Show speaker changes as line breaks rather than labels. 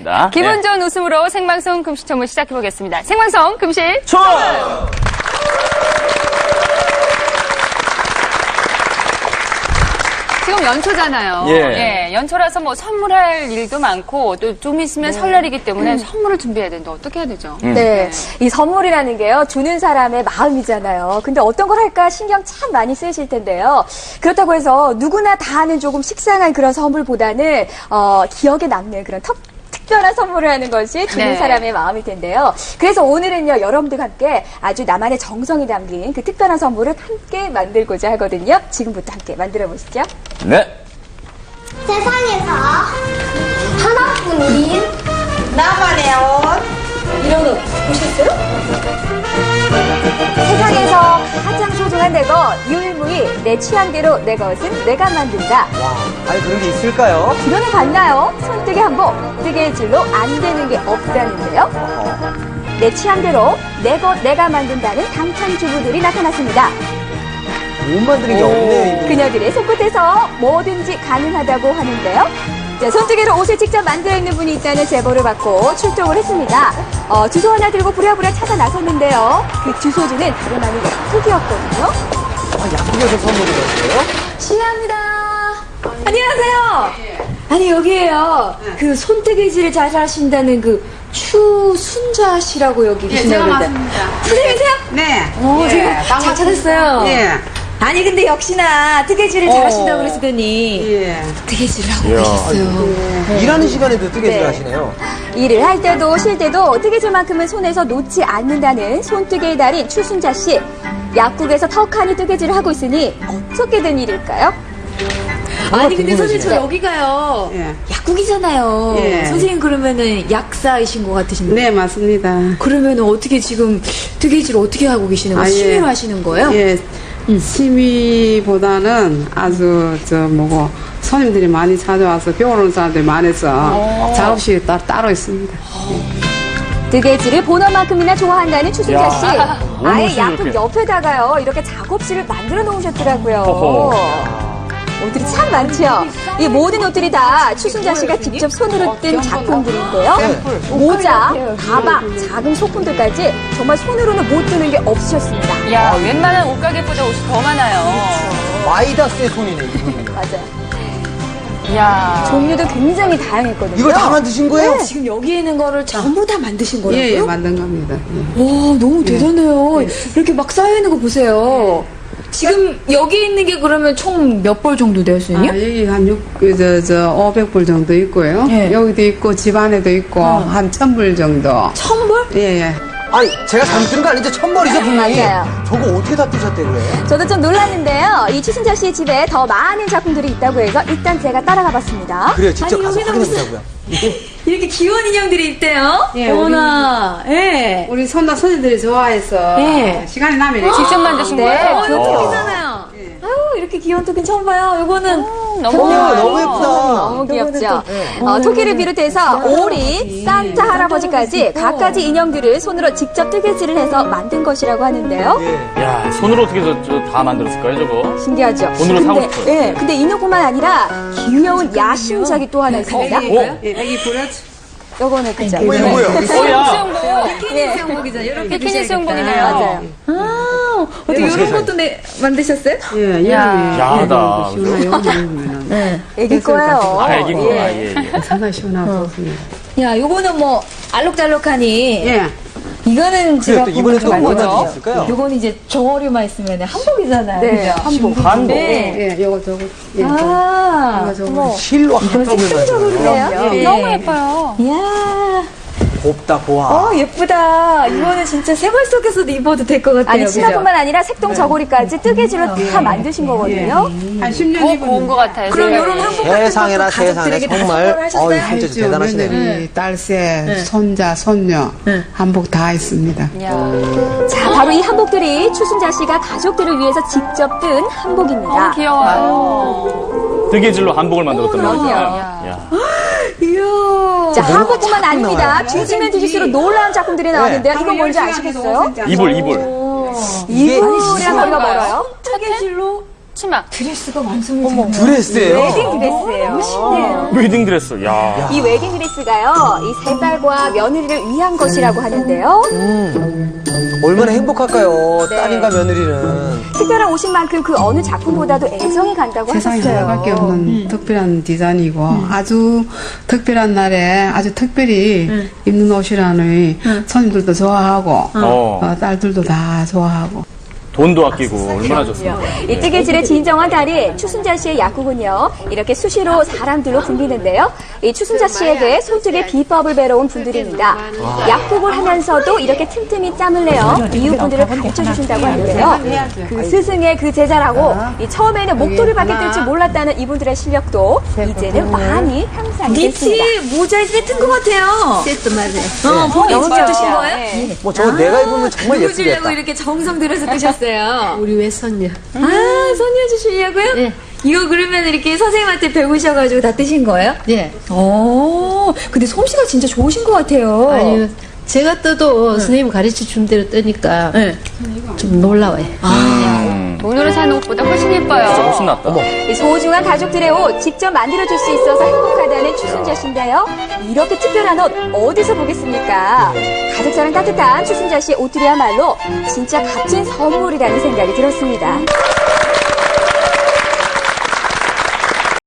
하겠습니다.
기분 좋은 웃음으로 생방송 금시첨을 시작해보겠습니다. 생방송 금시
첨!
지금 연초잖아요.
예.
연초라서 뭐 선물할 일도 많고 또 좀 있으면 설날이기 때문에 선물을 준비해야 되는데 어떻게 해야 되죠?
네. 이 선물이라는 게요, 주는 사람의 마음이잖아요. 근데 어떤 걸 할까 신경 참 많이 쓰실 텐데요. 그렇다고 해서 누구나 다 하는 조금 식상한 그런 선물보다는, 기억에 남는 그런 특별한 선물을 하는 것이 주는
네.
사람의 마음일 텐데요. 그래서 오늘은요, 여러분들과 함께 아주 나만의 정성이 담긴 그 특별한 선물을 함께 만들고자 하거든요. 지금부터 함께 만들어 보시죠.
네.
세상에서 하나뿐인 나만의 옷.
이런 옷 보셨어요? 세상에서 가장 소중한 내 것, 유일무이 내 취향대로 내 것은 내가 만든다.
와, 아니 그런 게 있을까요?
이론을 봤나요? 손뜨개 한복, 뜨개질로 안 되는 게 없다는데요. 내 취향대로 내 것 내가 만든다는 당찬 주부들이 나타났습니다.
못 만드는 게 없네. 이거.
그녀들의 손끝에서 뭐든지 가능하다고 하는데요. 자, 손뜨개로 옷을 직접 만들어 있는 분이 있다는 제보를 받고 출동을 했습니다. 주소 하나 들고 부랴부랴 찾아 나섰는데요. 그 주소지는 다름 아닌 약국이었거든요.
아, 약국에서 선물을 줬어요?
실례합니다. 안녕하세요. 아니, 여기에요. 그 손뜨개질을 잘 하신다는 그 추순자 씨라고 여기 계신다고 그러는데. 선생님이세요?
네.
제가 잘 찾았어요.
예.
아니, 근데 역시나 뜨개질을 잘 하신다고 그러시더니
예.
뜨개질을 하고 계셨어요.
일하는 시간에도 뜨개질
네.
하시네요.
일을 할 때도 쉴 때도 뜨개질만큼은 손에서 놓지 않는다는 손뜨개의 달인 추순자 씨. 약국에서 턱하니 뜨개질을 하고 있으니 어떻게 된 일일까요?
아니 근데 선생님 저
네.
여기가요
예.
약국이잖아요.
예.
선생님 그러면은 약사이신 것 같으신데
네, 맞습니다.
그러면은 어떻게 지금 뜨개질 어떻게 하고 계시는 거예요?
아, 예.
취미로 하시는 거예요?
예. 취미보다는 아주 손님들이 많이 찾아와서 배우는 사람들이 많아서 작업실이 따로 있습니다.
뜨개질을 본업만큼이나 좋아한다는 추순자 씨. 아예
멋있어,
약국
이렇게.
옆에다가요, 이렇게 작업실을 만들어 놓으셨더라고요.
어허.
옷들이 참 많죠. 이 모든 옷들이 다 추순자 씨가 직접 손으로 뜬 작품들인데요. 모자, 가방, 작은 소품들까지 정말 손으로는 못 뜨는 게 없으셨습니다.
야, 웬만한 옷가게보다 옷이 더 많아요.
마이다스의 손이네, 이분은.
맞아요.
이야.
종류도 굉장히 다양했거든요.
이걸 다 만드신 거예요?
지금 여기 있는 거를 전부 다 만드신 거라고요?
예, 예, 만든 겁니다. 예.
와 너무 대단해요. 이렇게 막 쌓여 있는 거 보세요. 지금 여기 있는 게 그러면 총 몇 벌 정도 돼요,
아,
선생님?
여기 한 500불 정도 있고요.
예.
여기도 있고, 집 안에도 있고, 한 1000불 정도.
1000벌?
예, 예.
아니, 제가 잘못 들은 거 아니죠? 천벌이죠, 분명히.
맞아요.
저거 어떻게 다 뜨셨대, 그래?
저도 좀 놀랐는데요. 이 추순자 씨의 집에 더 많은 작품들이 있다고 해서 일단 제가 따라가 봤습니다.
그래요, 직접 가서
여기는
확인해보자고요.
이렇게 귀여운 인형들이 있대요?
예,
어머나, 예.
우리 손님들이 좋아해서
예.
시간이 나면 이렇게
직접 만드신
네.
거예요?
여기잖아요. 아유, 이렇게 귀여운 토끼 처음 봐요. 요거는
너무
오,
귀여워요.
너무 예쁘다.
너무 귀엽죠? 토끼를 비롯해서 오리, 산타 할아버지까지 각가지 인형들을 손으로 직접 뜨개질을 해서 만든 것이라고 하는데요.
예.
야, 손으로 어떻게 다 만들었을까요, 저거?
신기하죠?
돈으로 사고 싶어요.
예, 근데 인형뿐만 아니라 귀여운 야심작이 또 하나 있습니다.
어?
예, 애기 부러져.
요거는 그죠?
뭐야, 뭐야.
야.
예.
수영복이잖아요. 이렇게
비키니 수영복이네요.
맞아요.
아, 어떻게 이런 것도 만드셨어요?
예, 여름에.
야하다.
시원하게 입으면은.
애기 거예요.
아, 애기구나. 예, 예.
상당히 시원하고 좋습니다.
야, 요거는 뭐 알록달록하니.
예.
이거는 제가
또 이번에 또
보면
뭐가
좀
만들 수 있을까요?
요거는 이제 정어리만 있으면 한복이잖아요.
네,
그죠?
한복.
한복.
네.
예, 요거 저거. 예,
아,
저거.
실로 한쪽을
그래요?
네.
너무 예뻐요.
이야,
곱다, 보아.
예쁘다. 이거는 진짜 생활 속에서도 입어도 될 것 같아요.
아니,
그죠?
치마뿐만 아니라 색동 저고리까지 뜨개질로 다 만드신 거거든요.
한 10년
더
입은
고운 것 같아요.
그럼
세상에.
이런 한복 같은
세상에나
것도
세상에
가족들에게 다
정말
선물을 하셨어요?
진짜
했죠.
대단하시네요.
며느리, 딸새, 손자, 손녀 한복 다 있습니다.
이야.
자, 바로 이 한복들이 추순자 씨가 가족들을 위해서 직접 뜬 한복입니다.
너무 귀여워요.
뜨개질로 한복을 만들었던
그럼요.
거잖아요. 야.
자, 한복뿐만 아닙니다. 뒤지면 뒤질수록 놀라운 작품들이 나왔는데요. 이건 뭔지 아시겠어요?
이불.
이불이란 거리가 멀어요.
뜨개질로
치마.
드레스가 완성이 되네요.
드레스예요?
웨딩 드레스예요. 신기해요.
웨딩 드레스. 야.
이 웨딩 드레스가요, 이 세 딸과 며느리를 위한 것이라고 하는데요.
얼마나 행복할까요?
네.
딸인가 며느리는.
특별한 옷인 만큼 그 어느 작품보다도 애정이 간다고
세상에
하셨어요.
하나밖에 없는 특별한 디자인이고 아주 특별한 날에 아주 특별히 입는 옷이라는 손님들도 좋아하고 딸들도 다 좋아하고
돈도 아끼고 얼마나 좋습니까?
이 뜨개질의 진정한 달인 추순자 씨의 약국은요, 이렇게 수시로 사람들로 붐비는데요. 이 추순자 씨에게 손뜨개 비법을 배워온 분들입니다. 약국을 하면서도 이렇게 틈틈이 짬을 내어 이웃분들을 가르쳐 주신다고 하는데요. 그 스승의 그 제자라고 이 처음에는 목도를 받게 될 줄 몰랐다는 이분들의 실력도 이제는 많이 향상이 됐습니다.
니트 모자의 세트인 것 같아요.
세트 맞아요.
본인
너무
직접 뜨신
귀여워요.
거예요?
네.
뭐 저거 내가 입으면 정말
누구 주려고
예쁘겠다.
이렇게 정성 들여서 뜨셨어요?
우리 외손녀.
아, 손녀 주시려고요?
네.
이거 그러면 이렇게 선생님한테 배우셔가지고 다 뜨신 거예요?
네.
오, 근데 솜씨가 진짜 좋으신 것 같아요.
아니, 제가 떠도 선생님 가르쳐 준 대로 뜨니까
네.
좀 놀라워요.
돈으로 사는 옷보다 훨씬 예뻐요.
진짜 훨씬 낫다.
이 소중한 가족들의 옷 직접 만들어줄 수 있어서 행복하다는 추순자 씨인데요. 이렇게 특별한 옷 어디서 보겠습니까? 가족사랑 따뜻한 추순자 씨의 옷들이야말로 진짜 값진 선물이라는 생각이 들었습니다.